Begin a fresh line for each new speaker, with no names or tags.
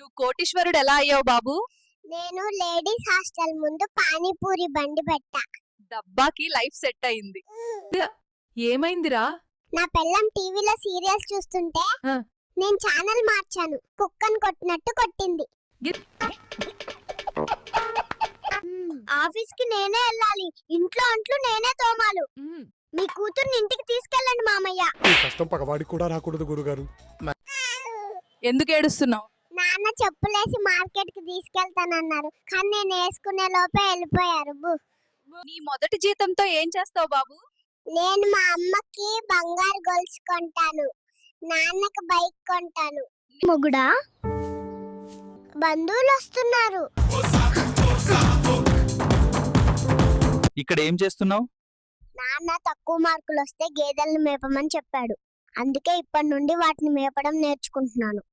నువ్వు కోటీశ్వరుడు ఎలా అయ్యావు బాబు?
నేను లేడీస్ హాస్టల్ ముందు పానీపూరి బండి పెట్టా.
డబ్బాకి లైఫ్ సెట్ అయింది. ఏమైందిరా?
నా పెళ్ళం టీవీలో సీరియల్స్ చూస్తుంటే
ఆ.
నేను ఛానల్ మార్చాను. కుక్కను కొట్టినట్టు కొట్టింది. ఆఫీస్ కి నేనే వెళ్ళాలి, ఇంట్లో అంట్లు నేనే తోమాలు. మీ కూతుర్ని ఇంటికి తీసుకెళ్ళండి మామయ్య.
ఈ కష్టం పగవాడికి కూడా రాకూడదు గురుగారు.
ఎందుకు ఏడుస్తున్నావు?
నాన్న చెప్పులేసి మార్కెట్ కి తీసుకెళ్తానన్నారు, కానీ నేను వేసుకునే లోపే వెళ్ళిపోయారు.
నీ మొదటి జీతంతో ఏం చేస్తావు బాబు?
నేను మా అమ్మకి బంగారు గొలుసు కొంటాను, నాన్నకి బైక్ కొంటాను. మొగుడా, బంధువులు వస్తున్నారు.
ఇక్కడ ఏం చేస్తున్నావు?
నాన్న తక్కువ మార్కులు వస్తే గేదెలను మేపమని చెప్పాడు, అందుకే ఇప్పటి నుండి వాటిని మేపడం నేర్చుకుంటున్నాను.